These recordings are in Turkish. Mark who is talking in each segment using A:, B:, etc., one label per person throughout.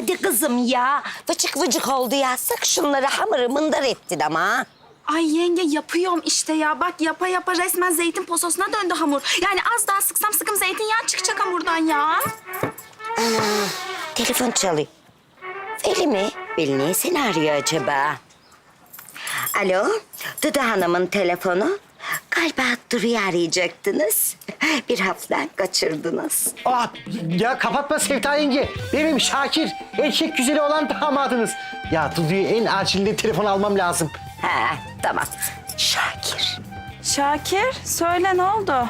A: Hadi kızım ya. Vıcık vıcık oldu ya. Sık şunları hamırı mındar ettin ama.
B: Ay yenge yapıyorum işte ya. Bak yapa yapa resmen zeytin pososuna döndü hamur. Yani az daha sıksam sıkım zeytinyağı çıkacak hamurdan ya.
A: Telefon çalıyor. Veli mi? Veli niye seni arıyor acaba? Alo, Dudu Hanım'ın telefonu. Galiba Duru'yu arayacaktınız. Bir hafiften kaçırdınız.
C: Ya kapatma Sevda yenge. Benim Şakir, erkek güzeli olan damadınız. Ya Dudu'yu en acilinde telefon almam lazım.
A: Ha, tamam. Şakir.
B: Şakir söyle ne oldu?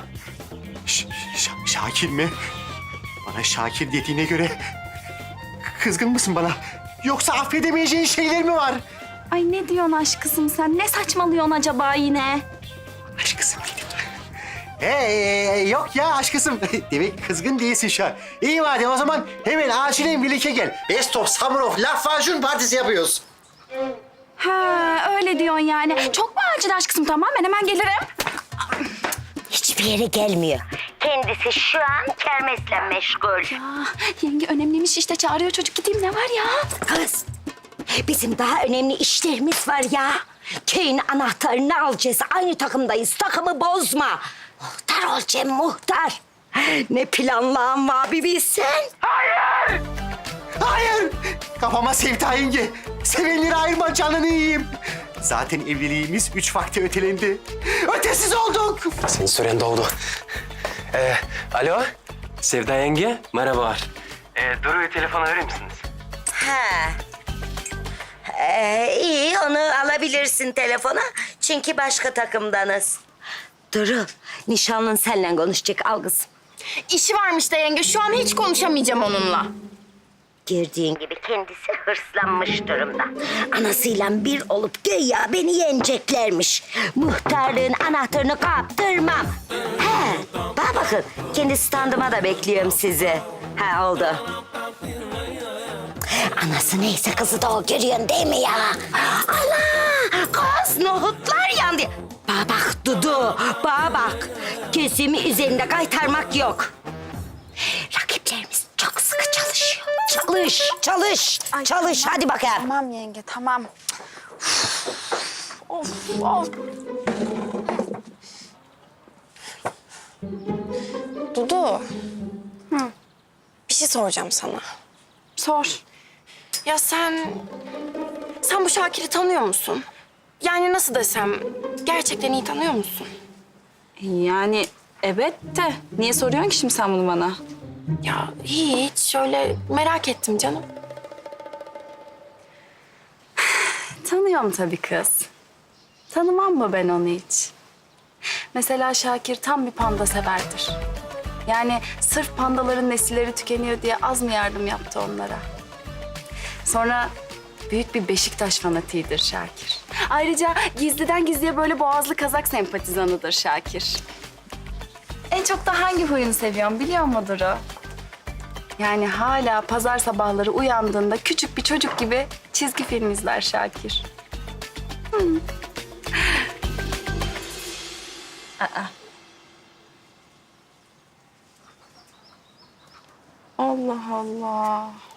C: Şakir mi? Bana Şakir dediğine göre kızgın mısın bana? Yoksa affedemeyeceğin şeyler mi var?
B: Ay ne diyorsun aşkısım sen? Ne saçmalıyorsun acaba yine?
C: Aşkısım dedim. Yok ya aşkısım. Demek kızgın değilsin şu an. İyi madem o zaman hemen acilen birlikte gel. Best of Summer of Lahmacun partisi yapıyoruz.
B: Ha öyle diyorsun yani. Çok mu acil aşkısım? Tamam ben hemen gelirim.
A: Hiçbir yere gelmiyor. Kendisi şu an kermesle meşgul.
B: Yenge önemliymiş işte çağırıyor çocuk gideyim ne var ya?
A: Kız, bizim daha önemli işlerimiz var ya. Köyün anahtarını alacağız. Aynı takımdayız. Takımı bozma. Muhtar olacağım muhtar. Ne planlan var bir bilsen.
C: Hayır! Hayır! Kafama Sevda yenge. Sevenleri ayırma canını yiyeyim. Zaten evliliğimiz 3 vakte ötelendi. Ötesiz olduk.
D: Senin süren doldu. Alo, Sevda yenge, merhabalar. Duru'yu telefona verir misiniz?
A: Ha. İyi onu alabilirsin telefona. Çünkü başka takımdanız. Duru, nişanlın seninle konuşacak. Al kızım.
E: İşi varmış da yenge. Şu an hiç konuşamayacağım onunla.
A: Gördüğün gibi kendisi hırslanmış durumda. Anasıyla bir olup güya beni yeneceklermiş. Muhtarlığın anahtarını kaptırmam. He, bana bakın. Kendi standıma da bekliyorum sizi. Ha oldu. Anası neyse kızı da o görüyorsun değil mi ya? Ana! Kız nohutlar yandı. Bana bak Dudu, bana bak. Gözümü üzerinde kaytarmak yok. Rakiplerimiz çok sıkı çalışıyor. Çalış.
B: Ay,
A: Çalış.
B: tamam.
A: Hadi bakalım.
B: Tamam yenge tamam. Of of.
E: Dudu. Bir şey soracağım sana.
B: Sor.
E: Ya sen bu Şakir'i tanıyor musun? Yani nasıl desem, gerçekten iyi tanıyor musun?
B: Yani evet de niye soruyorsun ki şimdi sen bunu bana?
E: Ya hiç, şöyle merak ettim canım.
B: Tanıyorum tabii kız. Tanımam mı ben onu hiç? Mesela Şakir tam bir panda severdir. Yani sırf pandaların nesilleri tükeniyor diye az mı yardım yaptı onlara? Sonra büyük bir Beşiktaş fanatiğidir Şakir. Ayrıca gizliden gizliye böyle boğazlı kazak sempatizanıdır Şakir. En çok da hangi huyunu seviyorum biliyor musun Duru? Yani hala pazar sabahları uyandığında küçük bir çocuk gibi çizgi film izler Şakir. Allah Allah.